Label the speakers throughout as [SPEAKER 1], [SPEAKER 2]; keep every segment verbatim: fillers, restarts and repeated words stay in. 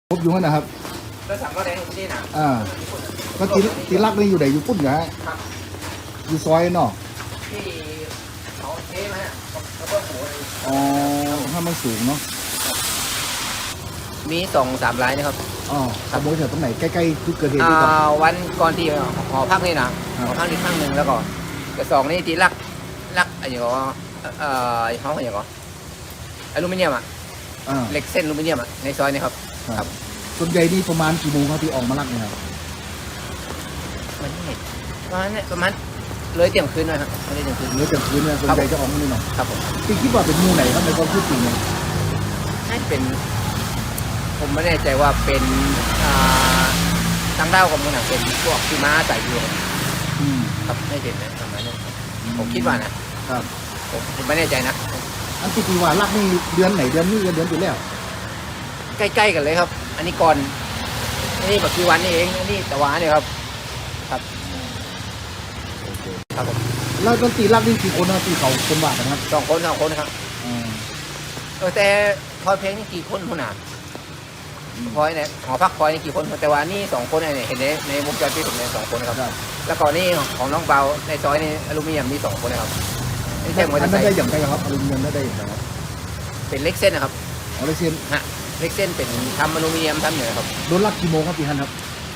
[SPEAKER 1] พบอยู่นั่นนะครับ
[SPEAKER 2] แล้วสั่งก็แดงอยู่ที่น่ะ
[SPEAKER 1] อ่าก็ตีตีลักนี่อยู่ไหนอยู่ปุ่นเหรอฮะ
[SPEAKER 2] ครับ
[SPEAKER 1] อยู่ซอยเนาะ
[SPEAKER 2] ที่เขาเทมาฮะแล้วก็หัว
[SPEAKER 1] อ๋อถ้ามันสูงเนาะ
[SPEAKER 2] มีสองสามรายนะครับ
[SPEAKER 1] อ๋อขโมยแถวตรงไหนใกล้ๆจุดเกิดเหตุ
[SPEAKER 2] อ่า
[SPEAKER 1] ที่ก่อน
[SPEAKER 2] วันก่อนที่หอพักนี่นะหอพักนี่ข้างหนึ่งแล้วก็แต่สองนี่ที่ลักลักอะไรอย่างเงี้ยเอ่อเขาอย่างเงี้ยอลูมิเนียมอ่ะเหล็กเส้นอลูมิเนียมอ่ะในซอยนี่ครับ
[SPEAKER 1] ครับส่วนใหญ่นี่ประมาณกี่โมงครับที่ออกมาลักเนี่ยครับ
[SPEAKER 2] มันนี่ประมาณนี้ประมาณเลยเที่ยงคืนนะครับไม่ได้เที่ยงคืน
[SPEAKER 1] เลยเที่ยงคืนเนี่ยส่วนใหญ่จะออกมานี่เนาะ
[SPEAKER 2] ครับผม
[SPEAKER 1] ที่คิดว่าเป็นมูไหนครับในความคิดจริงเนี่ย
[SPEAKER 2] ให้เป็นผมไม่แน่ใจว่าเป็นทางด้าวกับมันเป็นพวกที่ม้าใส่อยู่ครับไม่เห็นนะประมาณนั้นผมคิดว่านะครับผมผมไม่แน่ใจนะ
[SPEAKER 1] อันที่ปีว่าลักนี่เดือนไหนเดือนนี้เดือนอยู่แล้ว
[SPEAKER 2] ใกล้ๆกันเลยครับอันนี้ก่อนอันนี้แบบกี่วันนี่เองอันนี้แต่ว่าเนี่ยครับครับครับผม
[SPEAKER 1] แล้วดนตรีลักนี่กี่คนนะที่เขาคนว่ากันครับ
[SPEAKER 2] สองคนสองคนครับเออแต่พอเพลงนี่กี่คนคนหนาพอยเนี่ยหอพักพอยนี่กี่คนแต่ว่านี่สองคนเนี่ยเห็นในในวงจรปิดผมเนี่ยสองคนครับแล้วก่อนนี่ของน้องเบาในซอยนี่อลูมิเนียมมีสองคนนะครับ
[SPEAKER 1] นี่แค่มันได้อย่างไรครับอลูมิเนียมได้อย่างไรครับ
[SPEAKER 2] เป็นเล็กเส้นนะครับ
[SPEAKER 1] อ๋อเล็กเส้น
[SPEAKER 2] ฮะเล็กเส้นเป็นทำอลูมิเนียมทำอย่างครับ
[SPEAKER 1] โดนลักกี่โมงครับพี่ฮันครับ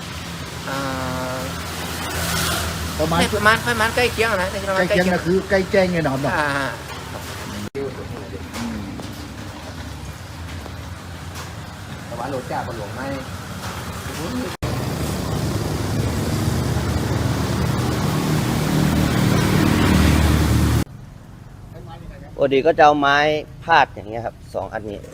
[SPEAKER 2] ประมาณประมาณประมาณใกล้เคียงนะใ
[SPEAKER 1] กล้เคียงนะคือใกล้แจ้งไงนะครับเนาะ
[SPEAKER 2] แต่ว่าโรจ้าบนหลวงไม่
[SPEAKER 3] ปกติก็จะเอาไม้พาดอย่างเงี้ยครับสองอันนี้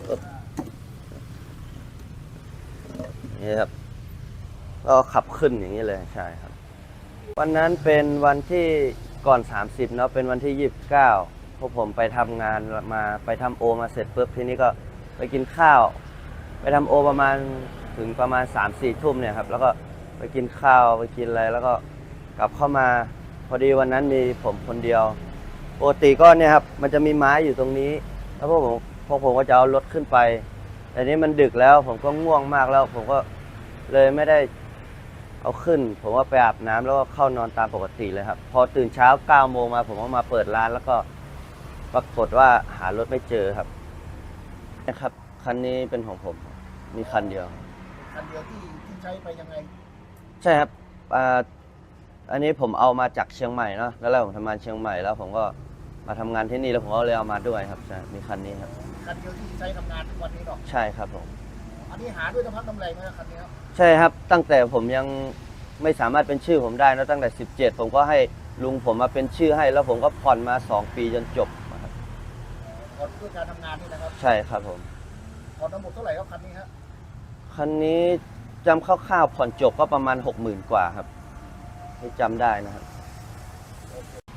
[SPEAKER 3] นี่ครับก็ขับขึ้นอย่างนี้เลยใช่ครับวันนั้นเป็นวันที่ก่อนสามสิบเนาะเป็นวันที่ยี่สิบเก้าพวกผมไปทำงานมาไปทำโอมาเสร็จปุ๊บทีนี้ก็ไปกินข้าวไปทำโอประมาณถึงประมาณสามสี่ทุ่มเนี่ยครับแล้วก็ไปกินข้าวไปกินอะไรแล้วก็กลับเข้ามาพอดีวันนั้นมีผมคนเดียวปกติก็เนี่ยครับมันจะมีไม้อยู่ตรงนี้แล้วพวกผมพวกผมก็จะเอารถขึ้นไปแต่นี้มันดึกแล้วผมก็ง่วงมากแล้วผมก็เลยไม่ได้เอาขึ้นผมว่าไปอาบน้ำแล้วก็เข้านอนตามปกติเลยครับพอตื่นเช้าเก้าโมงมาผมก็มาเปิดร้านแล้วก็ปรากฏว่าหารถไม่เจอครับนะครับคันนี้เป็นของผมมีคันเดียว
[SPEAKER 1] คันเดียวที่ที่ใช้ไปยังไง
[SPEAKER 3] ใช่ครับอันนี้ผมเอามาจากเชียงใหม่เนาะแล้วผมทำงานเชียงใหม่แล้วผมก็มาทำงานที่นี่แล้วผมก็เลยเอามาด้วยครับใช่มีคันนี้ครับ
[SPEAKER 1] คันเดียวที่ใช้ทำงานทุกวันนี้หรอ
[SPEAKER 3] ใช่ครับผม
[SPEAKER 1] อันนี้หาด้วยน้ำพักน้ำแรงไหมคันนี้ครับ
[SPEAKER 3] ใช่ครับตั้งแต่ผมยังไม่สามารถเป็นชื่อผมได้นะตั้งแต่สิบเจ็ดผมก็ให้ลุงผมมาเป็นชื่อให้แล้วผมก็ผ่อนมาสองปีจนจบครับ
[SPEAKER 1] ผ่อนด้วยการทำงานนี่นะครับ
[SPEAKER 3] ใช่ครับผม
[SPEAKER 1] ผ่อนทั้งหมดเท่าไหร่ครับคันนี้ฮะ
[SPEAKER 3] คันนี้จำคร่าวๆผ่อนจบก็ประมาณหกหมื่นกว่าครับที่จำได้นะครับ